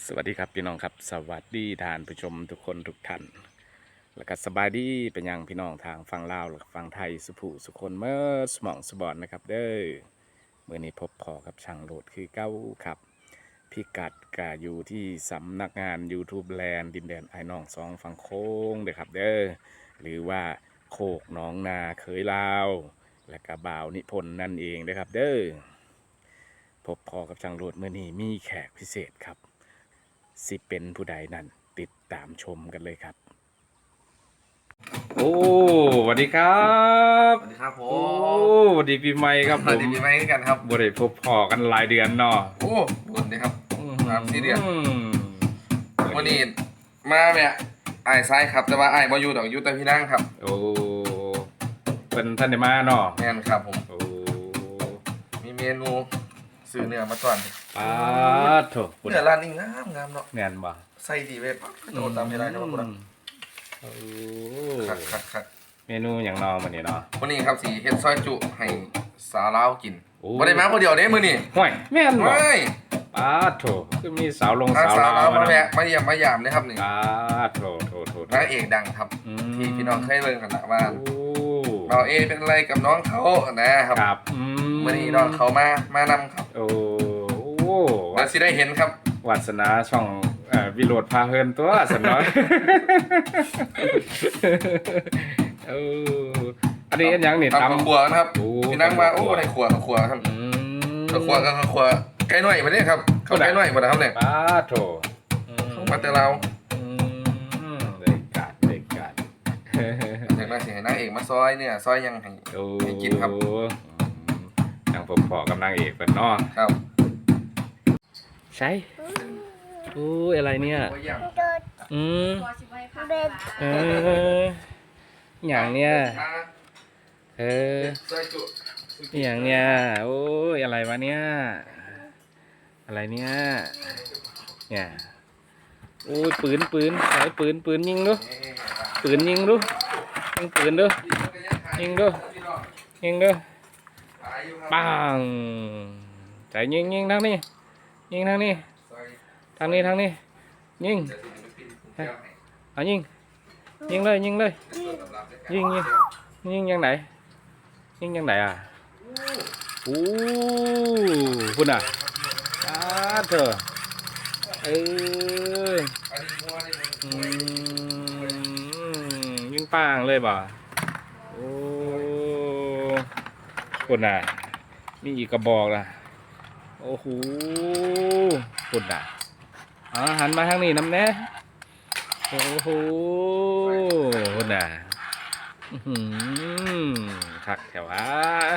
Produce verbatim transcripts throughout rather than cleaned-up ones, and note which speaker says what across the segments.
Speaker 1: วัสดีครับพี่น้องครับสวัสดีท่านผู้ชมทุกคนทุกท่านแล้วก็สบายดีเป็นยังพี่น้องทางฝั่งลาวและฝั่งไทยสุภูสุคนเมื่อสมองสบอนนะครับเด้อเมื่อนี้พบพอกับช่างโหลดคือเก้าครับพิกัดกาอยู่ที่สำนักงาน YouTube แลนด์ดินแดนไอ้น้องสองฝั่งโค้งเด้อครับเด้อหรือว่าโคกหนองนาเคยลาวและกะบ่าวนิพนธ์นั่นเองเด้อครับเด้อพบพอกับช่างโหลดเมื่อนี้มีแขกพิเศษครับสิเป็นผู้ใดนั้นติดตามชมกันเลยครับโอ้สวัสดีครับ
Speaker 2: สวัสดีครับผ
Speaker 1: โอ้
Speaker 2: ม
Speaker 1: สวัสดีปีใหม่ครับ
Speaker 2: ส
Speaker 1: ผ
Speaker 2: วัส
Speaker 1: ม
Speaker 2: ดีปีใหม่กันครับ
Speaker 1: บ่ได้พบพอกันหลายเดือนเนาะ
Speaker 2: โอ้บุญดีครับสามสี่เดือน
Speaker 1: อืม
Speaker 2: วันนี้มาเนี่ยไอ้ไซครับแต่ว่าไอ้บอยู่ดอกอยุแต่พี่นั่งครับ
Speaker 1: โอ้เป็นท่านได้มาเนาะ
Speaker 2: แม่นครับผม
Speaker 1: โอ้
Speaker 2: มีเมนูซื้อเนื้อมาก่อน
Speaker 1: ปาดโถ
Speaker 2: เนื้อร้านนี้งามงามเนาะ
Speaker 1: แน่นบ่
Speaker 2: ใส่ดีเว้ยปั๊บโดนตามไม่ได้ครับผม
Speaker 1: โอ้
Speaker 2: คักคักคัก
Speaker 1: เมนูอย่างนอมันนี่เนาะ
Speaker 2: วันนี้ครับสีเฮ็ดซอยจุให้สาวลาวกิน
Speaker 1: โอ้
Speaker 2: บ่ได้มาคนเดียวเด้มื้อนี้
Speaker 1: ห่วยแม่นบ่
Speaker 2: เฮ้ย
Speaker 1: ปาดโถคือมีสาวลง
Speaker 2: ถ้า
Speaker 1: สาว
Speaker 2: สาว
Speaker 1: ลา
Speaker 2: ลาว
Speaker 1: ว
Speaker 2: มา
Speaker 1: มา
Speaker 2: แวะ
Speaker 1: เนาะ
Speaker 2: มาเยี่ยมมายามเลยครับนี่
Speaker 1: ปาดโถโถโถโถ
Speaker 2: นางเอกดังครับ
Speaker 1: อืม
Speaker 2: ที่พี่น้องเคยเบิ่งกันละว่า
Speaker 1: โอ้
Speaker 2: เราเอเป็นอะไรกับน้องเขานะครับ
Speaker 1: ครับอืม
Speaker 2: วันนี้น้องเขามามานำครับ
Speaker 1: โอ้โห
Speaker 2: เราสิได้เห็นครับ
Speaker 1: วัสนาช่องเอ่อวิโรดพาเฮินตัวสันน้อยเอออันนี้อันยังนี่
Speaker 2: ทำกับ
Speaker 1: ตำ
Speaker 2: ขัวนะครับ
Speaker 1: โอ้
Speaker 2: พี่นั่งมา
Speaker 1: ทำกับ
Speaker 2: โอ้
Speaker 1: ขัว
Speaker 2: ในขัวกับขัวครับ
Speaker 1: อืม
Speaker 2: กับขัวกับขัวไก่หน่อยมาเนี่ยครับเขาไก่หน่อยมาแล้วครับเนี่ย
Speaker 1: ป้าโถอืม
Speaker 2: เขามาแต่เรา
Speaker 1: อืมเด็กกาดเด็กกาด
Speaker 2: จากนั้นสิให้นางเอกมาซอยเนี่ยซอยยังให้
Speaker 1: โอ้
Speaker 2: ให้กินครับ
Speaker 1: อืมนางผมขอกำลังเอกเป็นเนาะ
Speaker 2: ครับ
Speaker 1: ใช่โอ้ยอะไรเนี่ย
Speaker 2: โอ้ยยัง
Speaker 1: อืม
Speaker 3: เบ็ด
Speaker 1: เอออย่างเนี้ยเออ
Speaker 2: ซอยจุ
Speaker 1: อย่างเนี้ยโอ้ยอะไรวะเนี่ยอะไรเนี่ยเนี่ยโอ้ยปืนปืนใช้ปืนปืนยิงดูปืนยิงดูยิงปืนดูยิงดูยิงดูปังใจยิงยิงทางนี้ยิงทางนี้ทางนี้ทางนี้ยิงเอายิงยิงเลยยิงเลยยิงยิงยิงยังไหนยิงยังไหนอ่ะโอ้คุณอ่ะอ้าเถอะเอออืมยิงปังเลยบ่โอ้คุณอ่ะมีอีกกระบอกล่ะโอ้โหคุณอ่ะอ๋อหันมาทางนี้น้ำแน่โอ้โหคุณอ่ะอื้อหือคักแถวะ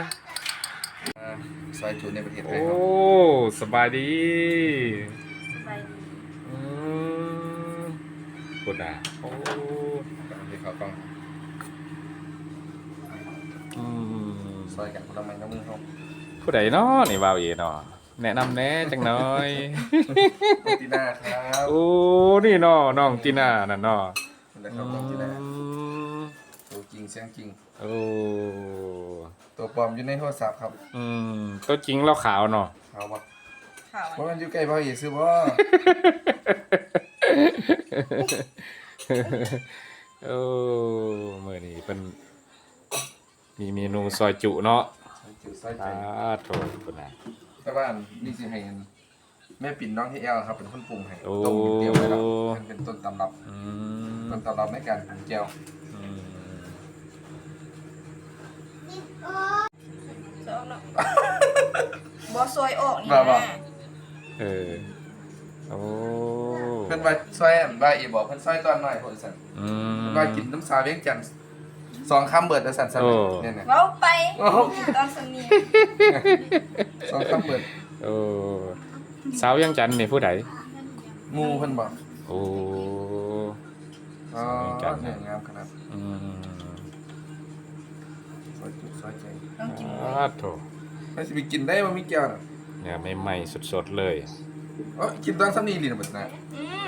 Speaker 2: ซอยจุในประเทศไท
Speaker 1: โอ้
Speaker 2: ยครับ
Speaker 1: สบายดี
Speaker 3: ไปดี
Speaker 1: อืมกดอ่ะโอ้
Speaker 2: ที่เขาต้อง
Speaker 1: อืม
Speaker 2: ซอยกันคนละไม้ละมือเขา
Speaker 1: ผู้ใดเนาะนี่บ่าวเอเนาะแนะนำแหน่จังหน่อย
Speaker 2: ตีน่าครับ
Speaker 1: โอ้นี่เนาะน้องตีน่านั่นเนาะ
Speaker 2: นี่แหละครับน้องตีน่า
Speaker 1: อืม
Speaker 2: ตัวจริงเสียงจริง
Speaker 1: โอ้
Speaker 2: ตัวปลอมอยู่ในโทรศัพท์ครับ
Speaker 1: อืมตัวจริงเราขาวเนาะ
Speaker 2: เอาบ่
Speaker 3: ข่าว
Speaker 2: เพราะมันอยู่ใกล้พ่อเอกซื้อบ่
Speaker 1: โอ้มื้อนี้เป็นมีเมนูซอยจุเนาะ
Speaker 2: ซอยจุซอยใจ
Speaker 1: อ่าโถคุณน่ะ
Speaker 2: แต่ว่านี่สิให้แม่ปิ่นน้องที่แอลครับเป็นคนปรุงให้
Speaker 1: โอ้
Speaker 2: ต้มเตรียมไว้แล้วมันเป็นต้นตำรับ
Speaker 1: อืม
Speaker 2: ต้นตำรับในการปรุงแจ่ว
Speaker 1: อืม
Speaker 3: ซอยออกเนาะบอซอยออกนี่
Speaker 2: ว่าบ่
Speaker 3: นะ
Speaker 1: เออโอ้
Speaker 2: เพิ่นว่าซอยอันว่าอีบอกเพิ่นซอยตอนน้อยพุ่นซั่น
Speaker 1: อืม
Speaker 2: เพิ่นว่ากินน้ำสาเวียงจันทน์สองคำเบิดแล้วซั่นซั่น
Speaker 1: โอ้
Speaker 2: เนี่ยเนี่ย
Speaker 3: เว้าไป
Speaker 2: โอ้โห
Speaker 3: ตอนสนี
Speaker 2: สองคำเบิด
Speaker 1: โอ้สาวยังจันทน์นี่ผู้ใด
Speaker 2: หมู่เพิ่นบอก
Speaker 1: โอ้
Speaker 2: อ๋อ
Speaker 1: สาวเวียงจันทน์
Speaker 2: เนี่ยงามขนาด
Speaker 1: อืม
Speaker 2: ซอยจุซอยใจ
Speaker 3: ต้องกิน
Speaker 1: อ่าโถ
Speaker 2: ไม่สิไปกินได้บ่มีแก้วน่ะ
Speaker 1: เนี่ยใหม่ๆสดๆเลย
Speaker 2: เอ้อกินตอนซ้ำนี้ลีน่ะบัดนะ
Speaker 3: อืม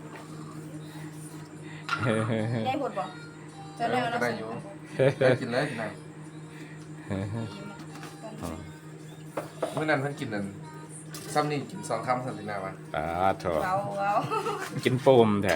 Speaker 3: ได้ผลบ่จะได้เอา
Speaker 2: ก็
Speaker 3: น้ำ
Speaker 2: ได้
Speaker 3: ใส่
Speaker 2: อยู่ได้กินเลยกินได้มื้อนั้นเพิ่นกินนั่นซ้ำนี่กินสองคำสันตินาวะ
Speaker 1: อ่าโถ
Speaker 3: เว้าเว้า
Speaker 1: กินโปมแท้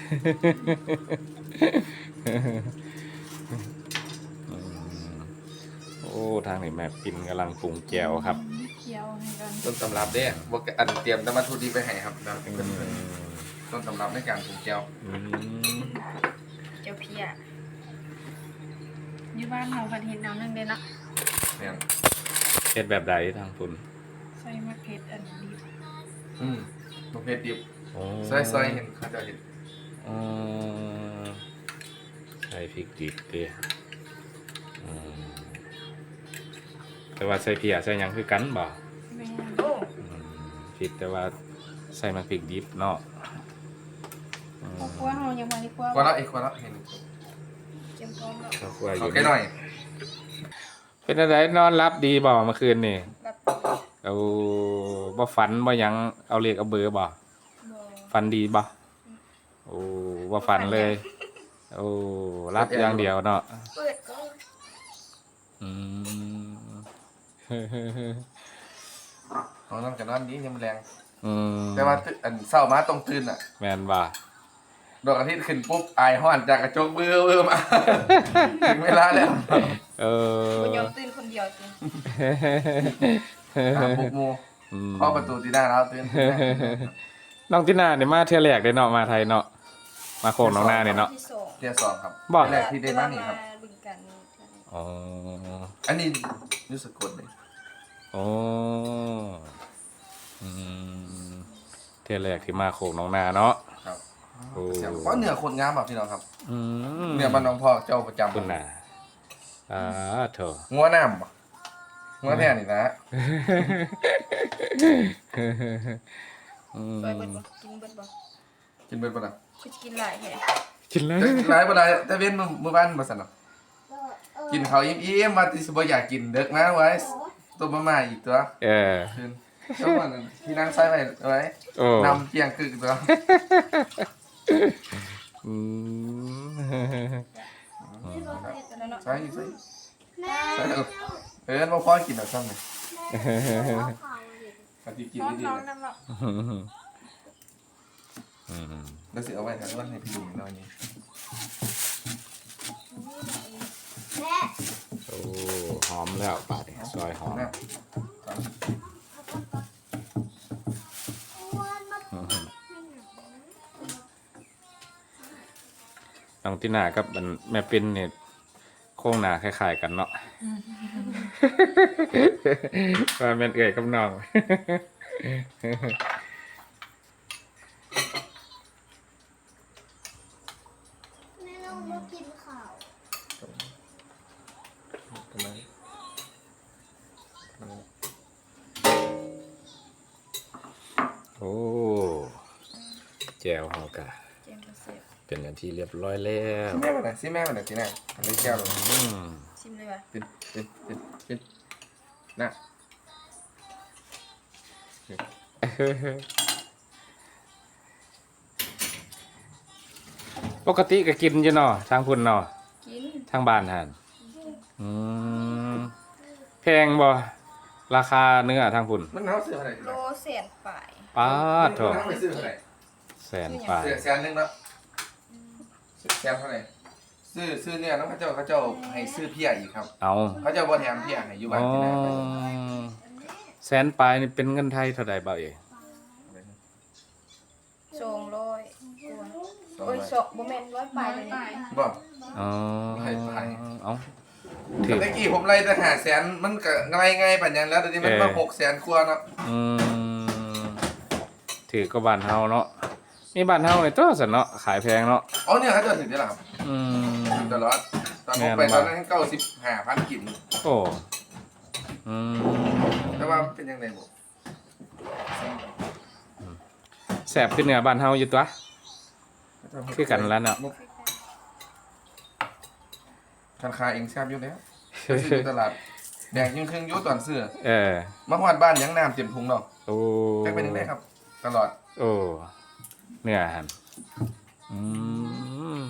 Speaker 1: อืมโอ้ทางนี้แม่ปินกำลังปรุงแจวครับ
Speaker 3: เคี้ยวให้กัน
Speaker 2: ต้นตำรับเด้บ่อันเตรียมน้ำมันทุดีไปให้ครับนะ
Speaker 1: อื
Speaker 2: เป็น
Speaker 1: ม
Speaker 2: ต้นตำรับในการปรุงแก้ว
Speaker 1: อืม
Speaker 3: เจียวเพีย
Speaker 4: อยู่บ้านเราผัดเห็ดน้ำหนึ่งเด้เนาะ
Speaker 2: เนี่ย
Speaker 1: เฮ็ดแบบใดทางคุณ
Speaker 4: ใส่มะเขืออันนี้
Speaker 2: อืมประเภทดิบ
Speaker 1: โอ้
Speaker 2: ซอยๆเห็นเขาจะเห็น
Speaker 1: อืมใส่พริกดิบดิอืมแต่ว่าใส่เพียใส่หยังคือกันบ่
Speaker 4: แม่
Speaker 3: โอ้
Speaker 1: อืมผิดแต่ว่าใส่มันพริกดิบเนาะอืม
Speaker 4: กลัวเฮายังมาดีกว่า
Speaker 2: ก็แล้วอีกคนละเห็น
Speaker 3: เจียวพร้อมแล้ว
Speaker 1: เขากลัวอ
Speaker 2: ขอยู่ แค่หน่อย
Speaker 1: เป็นอะไรนอนรับดีบ่เมื่อคืนนี่
Speaker 3: แบบ
Speaker 1: เอาบ่ฝันบ่หยังเอาเลขเอาเบอร์บ่
Speaker 3: บ่
Speaker 1: ฝันดีบ่โอ้บ่ฝันเลยโอ้รับอย่างเดียวเนาะ
Speaker 3: เปิดก็
Speaker 1: อืม
Speaker 2: น้องน้ำกับนอนดียังมันแรง
Speaker 1: อืม
Speaker 2: แต่ว่าตื่นอันเศร้ามาต้องตื่นอ่ะ
Speaker 1: แม่นบ่
Speaker 2: ดวงอาทิตย์ขึ้นปุ๊บอายห้อนจากกระจกเบื่อเบื่อมา ถึงเวลาแล้ว
Speaker 1: เออ
Speaker 3: บ่ยอมตื่นคนเดียวจริง
Speaker 2: ตามบุกหมู
Speaker 1: อืม
Speaker 2: เข้าประตูที่หน้าแล้วตื่น
Speaker 1: น้องตินาเนี่ยมาเที่ยวแรกเด้เนาะมาไทยเนาะมาโคกหนองนาเนี่ยเนาะ
Speaker 3: ที่สอง
Speaker 2: เที่ยวสองครับ
Speaker 1: บอก
Speaker 2: แรกที่ได้มานี่ครับ
Speaker 3: บึงกันนี่เท่านั้น
Speaker 1: อ๋อ
Speaker 2: อันนี้รู้สึกกดเลย
Speaker 1: โอ้อืมเที่ยวแรกที่มาโคกหนองนาเนาะ
Speaker 2: ครับ
Speaker 1: โอ้
Speaker 2: เพราะเหนือคนงามแบบพี่น้องครับ
Speaker 1: อืม
Speaker 2: เหนือบ้านน้องพ่อเจ้าประจำ
Speaker 1: คุณน่ะอ่าโถ
Speaker 2: งัวน้ำบ่งัวแน่นี่นะ
Speaker 1: อืม
Speaker 3: ซอยเบิดบ่กินเบิดบ่
Speaker 2: กินเบิดบ่ล่ะ
Speaker 3: คือสิกินหลายแท้
Speaker 1: กินเลย
Speaker 2: แต่กินหลายบ่ได้แต่เว้นมื้อมื้อบ้านบ่ซั่นเนาะกินข้าวอิ่มๆมาที่สิบ่อยากกินเด็กมาไว้ต้มมาม่าอีกตัว
Speaker 1: เออ
Speaker 2: คืนแล้วมันที่นั่งใส่ไว้ไว้
Speaker 1: โอ้
Speaker 2: นำเพียงคือตัว
Speaker 1: อืม
Speaker 3: แล้วเนาะ
Speaker 2: ใส่ใส่ใส่เออบ่พอกินดอกซ้ำนี่ปฏิกิน
Speaker 4: น้อง
Speaker 2: ดี
Speaker 4: น้อง
Speaker 2: ๆ
Speaker 4: น้ำเนาะ
Speaker 1: อืม
Speaker 2: แล้วสิเอาไว้ทางวันให้พี่ลุงหน่อยนี่
Speaker 1: โอ้หอมแล้วป่าดนี่ซอยหอม
Speaker 2: นะ
Speaker 1: น้องตินากับอันแม่เป็นเนี่ยโค้งหนาคล้ายๆกันเนาะว่าแม่นเอ่ยกับน้อง
Speaker 5: แม่เราไม่กินข้าว
Speaker 2: ทำไม
Speaker 1: โอ้แจวเฮากะ
Speaker 3: เจียวกระเสียบ
Speaker 1: เป็นอย่างที่เรียบร้อยแล้ว
Speaker 2: ซิแม่มาไหนซิแม่มาไหนสิแน่ทำได้แก้วเลย
Speaker 1: อืม
Speaker 3: ชิมเลยว่ะ
Speaker 2: เป็นเป็นเป็นเป็นน่ะ
Speaker 1: ปกติก็กินอยู่เนาะทางพุ่นเนาะ
Speaker 3: กิน
Speaker 1: ทางบ้านหั่นอืมแพงบ่ราคาเนื้อทางพุ่น
Speaker 2: มันเอาซื้ออะไร
Speaker 3: โลแสนปลาย
Speaker 1: ป้าดโถ
Speaker 2: มันเอาไปซื้ออะไร
Speaker 1: แสนปลาย
Speaker 2: เสียแสนหนึงเนาะแสนเท่าไหร่ซื้อซื้อเนี่ยน้องเขาเจ้าเขาเจ้าให้ซื้อเพียอีกครับ
Speaker 1: เอา
Speaker 2: เขาเจ้าบ่แถมเพียให้อยู่บ้า
Speaker 1: อ๋
Speaker 2: น
Speaker 1: อ
Speaker 2: ที่ไหนไป
Speaker 1: แสนปลายนี่เป็นเงินไทยเท่าใดบ่เอ๋
Speaker 3: สองร้อยกว่า
Speaker 2: สอง
Speaker 3: โอ้ย
Speaker 2: ร้อย
Speaker 3: สองบ่แม่นร้อยปลายเลยนี่
Speaker 2: บ่
Speaker 1: อ๋อ
Speaker 2: ให้ไป
Speaker 1: เอาถือ
Speaker 2: เมื่อกี้ผมไล่แต่หาแสนมันก็ง่ายง่ายปัญญาแล้วเดี๋ยวนี้มันมาหกแสนกว่าเนาะ
Speaker 1: อืมถือก็บ้านเฮาเนาะมีบ้านเฮานี่ตัวสันเนาะขายแพงเนาะ
Speaker 2: อ๋อเนี่ยเขาเจะถึงได้หรอครับ
Speaker 1: อืม
Speaker 2: ถึงตลอดตอนผมไปตอนนั้นเก้าสิบห้าพันกิน
Speaker 1: โอ้อืม
Speaker 2: แต่ว่าเป็นยังไงบ่
Speaker 1: แสบขึ้นเหนือบ้านเฮาอยู่ตัวคือกันแล้วเนาะ
Speaker 2: คันคาเองแซ่บอยู่แล้วไปซื้ออยู่ตลาดแดงยิ่งครึ่งอยุ่ตอนเสื้อ
Speaker 1: เออ
Speaker 2: มาฮอดบ้านยังน้ำเต็มถุงเนาะ
Speaker 1: โอ้
Speaker 2: จะเป็นยังไงครับ ตลอด
Speaker 1: โอ้เนื้อหันอืม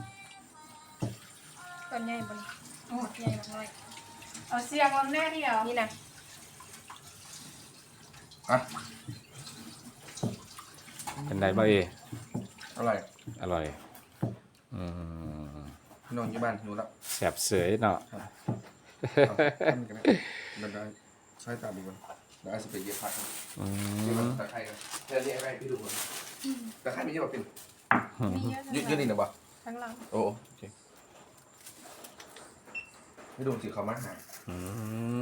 Speaker 3: ตอนใหญ่บ่นี่โอ้ใหญ่มากน้อย
Speaker 4: เอาเสียงลำแน่เดียว
Speaker 3: นี่นะ
Speaker 2: อ่ะ
Speaker 1: เป็นไรบ้างเอ
Speaker 2: อร่อย
Speaker 1: อร่อยอืม
Speaker 2: พี่น้องอยู่บ้านหิวแล้ว
Speaker 1: แสบเสยเนาะ
Speaker 2: เอาทำกันนะมันได้ใช้ตาดูมันแล้วอาจจะไปเย็บผัก
Speaker 1: อื
Speaker 2: เย็บ
Speaker 1: ม
Speaker 2: ตะไคร้กันเดี๋ยวเรียกอะไรพี่ดูมันตะไคร้มีเยอะป่ะปิ่น
Speaker 4: มีเยอะ
Speaker 2: ยืดยืดนี่นะบ่
Speaker 4: ทั้งหลัง
Speaker 2: โอ้โอเคพี่ดูสิเขามาหา
Speaker 1: อืม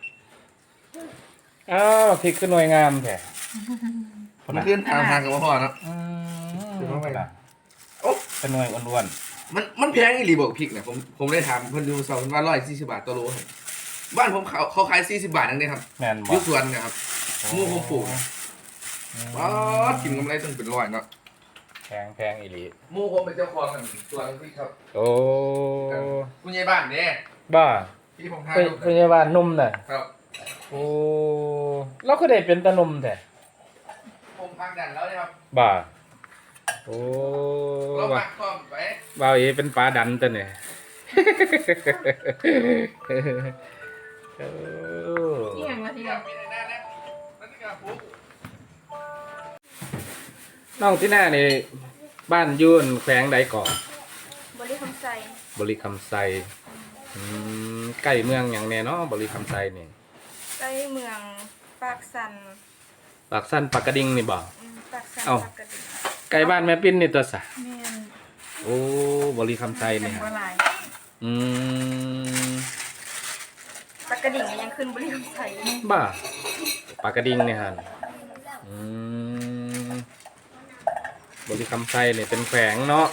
Speaker 1: อ้าวพริกขึ้นหน่วยงามแท้
Speaker 2: มันขึ้นทางทางกับพ่อเนาะ
Speaker 1: อืม
Speaker 2: คือว่าไง
Speaker 1: ล่ะ
Speaker 2: โอ้
Speaker 1: เป็นหน่วยอ้วน
Speaker 2: มันมันแพงอีหลีบอกพริกเนี่ยผมผมได้ถามเพิ่นดูสองว่าร้อยสี่สิบบาทต่อโลให้บ้านผมเขาเขาขายสี่สิบบาทนั่นเองครับ
Speaker 1: ๆแม่น
Speaker 2: อ
Speaker 1: บ่
Speaker 2: ยุสวนเนะครับหมูผมปลูกว้ากินกำไรต้องเป็นร้อยเนาะ
Speaker 1: แพงแพงอีหลี
Speaker 2: หมูผมเป็นเจ้าของกันสวนพริกครับ
Speaker 1: โอ้
Speaker 2: คุณยายบ้านเนี่ย
Speaker 1: บ้า
Speaker 2: ที่ผมทาน
Speaker 1: เป็น
Speaker 2: ลูก
Speaker 1: พยาบาลนุ่มน่ะ
Speaker 2: ครับ
Speaker 1: โอ้เราก็ได้เป็นตานุ่มแท้
Speaker 2: ผมพักดันแล้วเนี่ยครับ
Speaker 1: บ้าโอ้
Speaker 2: เรา
Speaker 1: ว่า
Speaker 2: ปักคอมไป
Speaker 1: บ่าวเอเป็นปลาดันตัวเนี่ย โอ้
Speaker 4: นี่อย่างละที
Speaker 2: ที่
Speaker 4: เดียว
Speaker 2: มีในหน้านะนั่นคือการปุ๊บ
Speaker 1: น้องที่หน้านี่บ้านยุ่นแขวงใดก่อน
Speaker 3: บริคำใส่
Speaker 1: บริคำไซอืมใกล้เมืองอย่างแน่เนาะบริคำไซนี่
Speaker 3: ใกล้เมืองปากสัน
Speaker 1: ปากสั้นปากกระดิ่งนี่บ่
Speaker 3: อืมปากสัน
Speaker 1: เอ้า
Speaker 3: ปากกระดิ่ง
Speaker 1: ใกล้บ้านแม่ปิ้นนี่ตัวสะ
Speaker 4: แม่น
Speaker 1: โอ้บริคำไซ
Speaker 4: เป็
Speaker 1: นี่
Speaker 4: น
Speaker 1: ฮะ
Speaker 4: บัวลาย
Speaker 1: อืม
Speaker 3: ปากกระดิ่งก็ยังขึ้นบริคำใส่
Speaker 1: บ้าปากกระดิ่งนี่ฮะอืมบริคำไซนี่เป็นแขวงเนาะ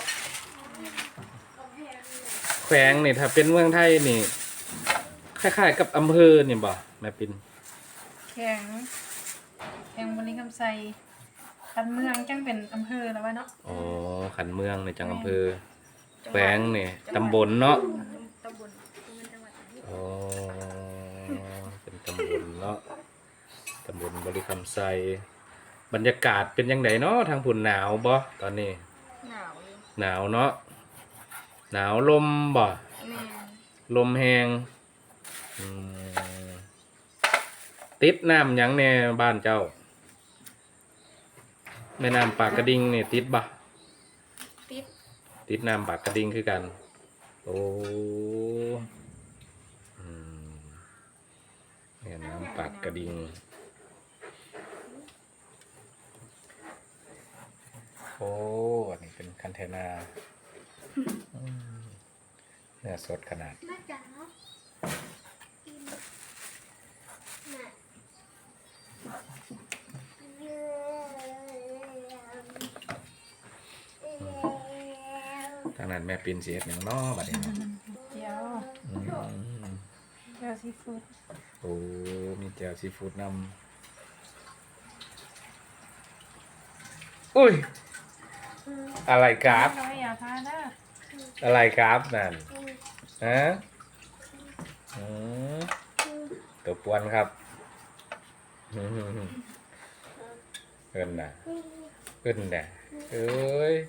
Speaker 1: แขวงนี่ถ้าเป็นเมืองไทยนี่คล้ายๆกับอำเภอนี่บ่แม่ปิ้น
Speaker 4: แข็งแข็งบริคำไซกันเมืองจังเป็นอำเภอแล้ววะเนาะ
Speaker 1: อ๋อขันเมืองในจังอำเภอแขวงนี่ตำบลเนาะ
Speaker 3: ตำบลเป็นจังหวัด
Speaker 1: อ๋อเป็นตำบลเนาะตำบลบริคำไซบรรยากาศเป็นยังไงเนาะทางผุนหนาวบ่ตอนนี้
Speaker 3: หนาวอยู่
Speaker 1: หนาวเนาะหนาวลมบ่
Speaker 3: แม่
Speaker 1: ลมแหงอืมติดน้ำหยังแน่บ้านเจ้าแม่น้ำปากกระดิ่งนี่ติดบ่
Speaker 3: ติด
Speaker 1: ติดน้ำปากกระดิ่งคือกัน โอ้อืมแม่น้ำปากกระดิ่งโอ้อันนี้เป็นคันเทนาอืมเนื้อสดขนาด
Speaker 5: แม่จ๋ากินแม่
Speaker 1: ทางนั้นแม่ปินเสียดอย่างน้อบัดนี้เนาะ
Speaker 4: เจียว
Speaker 1: อืม
Speaker 4: เจียวซีฟู้ด
Speaker 1: โอ้มีแจ่วซีฟู้ดนำอุ้ย อะไรครับ
Speaker 4: น้อยอย่าพานะ
Speaker 1: อะไรครับนั่นฮะอืมตัวปวนครับอืมเอิ้นน่ะเอิ้นน่ะเอ้ย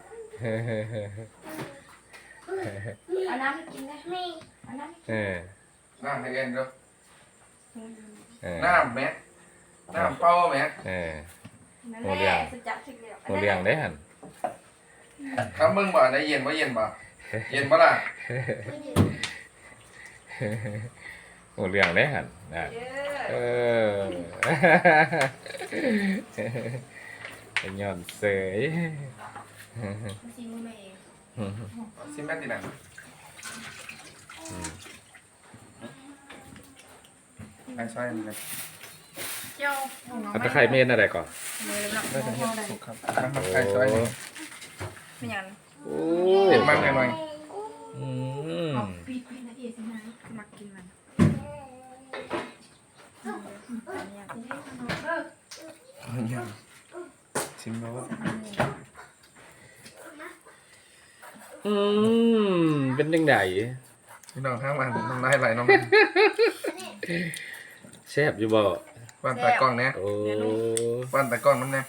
Speaker 3: เอาน้ำให้กินนะ
Speaker 5: ไม่
Speaker 3: เอาน้ำ
Speaker 1: เออ
Speaker 2: น้ำให้เอ็นเด้อ
Speaker 1: เออ
Speaker 2: น้ำแม่น้ำเป้าแม่
Speaker 1: เออ
Speaker 3: นั่น
Speaker 1: โอ้
Speaker 3: แห
Speaker 1: เรื่อ
Speaker 3: ละ
Speaker 1: ง
Speaker 3: สุดจัดสิเดียว
Speaker 1: โมเลี้ยงได้หัน
Speaker 2: ครับมึงบ่ได้เย็นบ่เย็นบ่เย็นบ่ล่ะ
Speaker 1: โมเลี้ยงได้หันนะ
Speaker 3: เด้
Speaker 1: เอ
Speaker 3: อ
Speaker 1: อ เป็นย้อนเสย
Speaker 3: มันซีมือมาเอง
Speaker 2: ซิมแม่ติหนังไอ้ช่วยมันเลย
Speaker 4: เจียวหมูน้อง
Speaker 1: เอาตะไคร้เมนอะไรก่อน
Speaker 3: มือแล้ว
Speaker 2: ได้ถึงเห็ดสุกครับนะครับไอ้ช่วยมัน
Speaker 3: ไม่ยัน
Speaker 1: โอ้
Speaker 2: เห็ดมันหน่อย
Speaker 1: อืม
Speaker 3: ปีดไปนะเอียสินะมักกินมันอันนี้ที่ให้ขนมเด้อ
Speaker 2: ๆยังชิมแล้วว่า
Speaker 1: อืมเป็นยังไง
Speaker 2: พี่น้องข้างมันน้ำลายไหลน้อง
Speaker 1: แซ่บอยู่บ่
Speaker 2: บ้านตากล้องเนี่ย
Speaker 1: โอ้
Speaker 2: บ้านตากล้องน้ำเนี่ย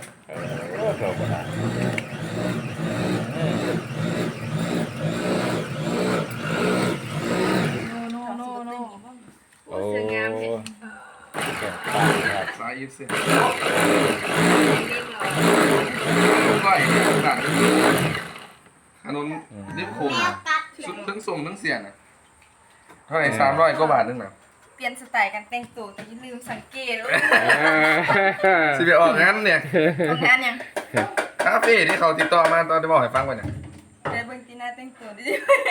Speaker 1: โอ้โห
Speaker 2: อีกเส้น
Speaker 3: เรียบร้อย
Speaker 2: ก้อยต่างขนมนิบคุมชุดทั้งส่งทั้งเสียงนะเท่าไหร่สามร้อยกว่าบาทนึงนะ
Speaker 3: เปลี่ยนสไตล์การแต่งตัวแต่อย่าลืมสังเกตว่า
Speaker 2: สิไปออกงั้นเนี่ย
Speaker 3: ทำงานยัง
Speaker 2: คาเฟ่ที่เขาติดต่อมาตอนที่บอกให้ฟังว่าเนี่ย
Speaker 3: เดี๋ยวเบิ่งตีหน้าแต่งตัวดิ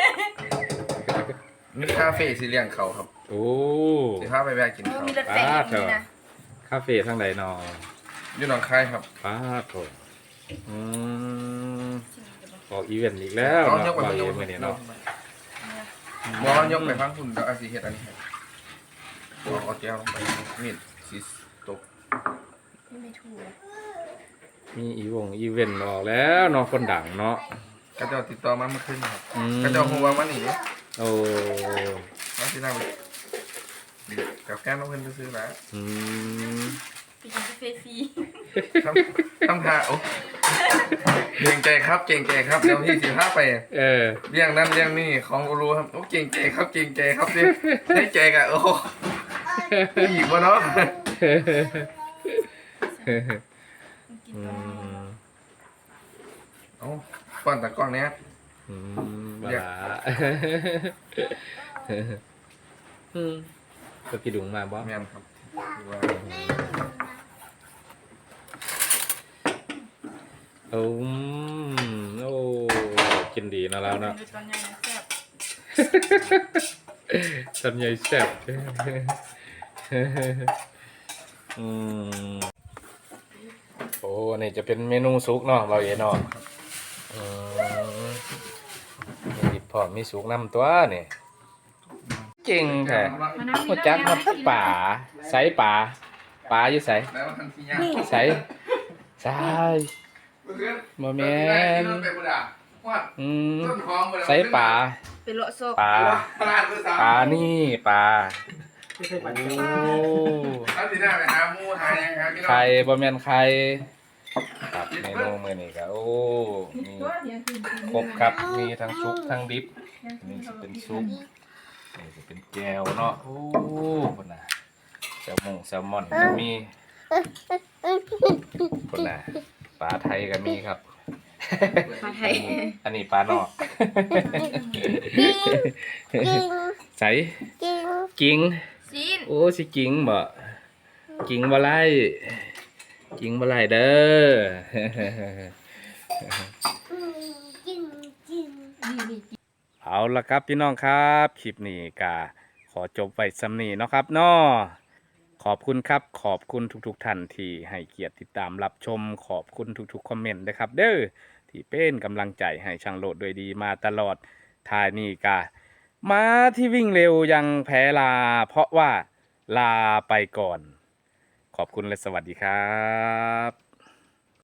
Speaker 2: มีคาเฟ่สีเลี้ยงเขาครับ
Speaker 1: โอ้
Speaker 2: สิพาไปแวะกิน
Speaker 3: โอ้
Speaker 2: เขา
Speaker 3: มีรถไฟอย่างนี้นะ
Speaker 1: คาเฟ่ทางใดนอ
Speaker 2: อยู่หนองคายครับ
Speaker 1: ป้าโถอืมออกอีเวนต์อีกแล้ว
Speaker 2: เอา
Speaker 1: เนาะ
Speaker 2: ยกไป
Speaker 1: บ่าว
Speaker 2: ย
Speaker 1: เอ็
Speaker 2: ก
Speaker 1: ม
Speaker 2: ไป
Speaker 1: มื้อนี้เนาะ
Speaker 2: มองยกไปฟังคุณเดี๋ยวอาสิเฮ็ดอันนี้ให้เอาเอาแก้วลงไปมีดสิตก
Speaker 3: ไม่ถูก
Speaker 1: มีอีวงอีเวนต์ออกแล้วเนาะคนดังเนาะ
Speaker 2: กระเจ้าติดต่อมาเมื่อคืนครับ
Speaker 1: อืม
Speaker 2: กระเจ้าคงว่ามันนี่เนี่ย
Speaker 1: โอ้
Speaker 2: มาที่นั่งกับแก้มน้องเพิ่นซื้อๆนะ
Speaker 1: อืม
Speaker 3: ไปกินกาแฟฟรี
Speaker 2: ทำทำท่าโอ้เก่งใจครับเก่งใจครับเดี๋ยวพี่สิพาไป
Speaker 1: เออ
Speaker 2: เรื่องนั้นเรื่องนี้ของกูรู้ครับโอ้เก่งใจครับเก่งใจครับดิได้ใจกะโอ้อีกวะเนาะ
Speaker 3: กิน
Speaker 1: อื
Speaker 3: ก่อน
Speaker 1: ม
Speaker 2: เอ้าป้อนตะกล้องเนี้ย
Speaker 1: อืมบลาอืมก็กี่ดุงมาบ่
Speaker 2: แม่นครับคือว่า
Speaker 1: โอ้อืมโอ้กินดีเนาะแล้วเนาะ
Speaker 3: ดูตอนใหญ่นะแซ่บ
Speaker 1: สัญญาแซ่บอืมโอ้อันนี้จะเป็นเมนูซุกเนาะเราเอ๋เนาะอืมมีพอมีซุกนำตัวนี่จริงแท้หัวจักหมดป่าใส่ป่าป่าอยู่ใส่
Speaker 2: แล้วทันทีย่าง
Speaker 1: ใส่ใส่บ่แม่นอืมใส่ป่า
Speaker 3: เป็นโลโซ
Speaker 1: ป่าป่านี่ป่าโอ้
Speaker 2: ทันทีหน้าไปหาหมูหายังครับพี่น้อง
Speaker 1: ไข่บ่แม่นไข่ครับเมนูมื้อนี้ก็โอ้มีครบครับมีทั้งซุปทั้งดิบนี่สิเป็นซุปนี่สิเป็นแจ่วเนาะโอ้พุ่นน่ะแซลมงแซลมอนก็มีพุ่นน่ะปลาไทยก็มีครับ
Speaker 3: มาไทย
Speaker 1: อันนี้ปลานอกใส่กิ้ง
Speaker 3: ซีน
Speaker 1: โอ้สิกิ้งบ่กิ้งบ่ไล่กิ้งบ่ไล่เด้อ เอาละครับพี่น้องครับคลิปนี้ก็ขอจบไว้สำนีเนาะครับเนาะขอบคุณครับขอบคุณทุกๆท่านที่ให้เกียรติติดตามรับชมขอบคุณทุกๆคอมเมนต์นะครับเด้อที่เป็นกำลังใจให้ช่างโหลดโดยดีมาตลอดท้ายนี้ก็มาที่วิ่งเร็วยังแพ้ลา เพราะว่าลาไปก่อน ขอบคุณและสวัสดีครับ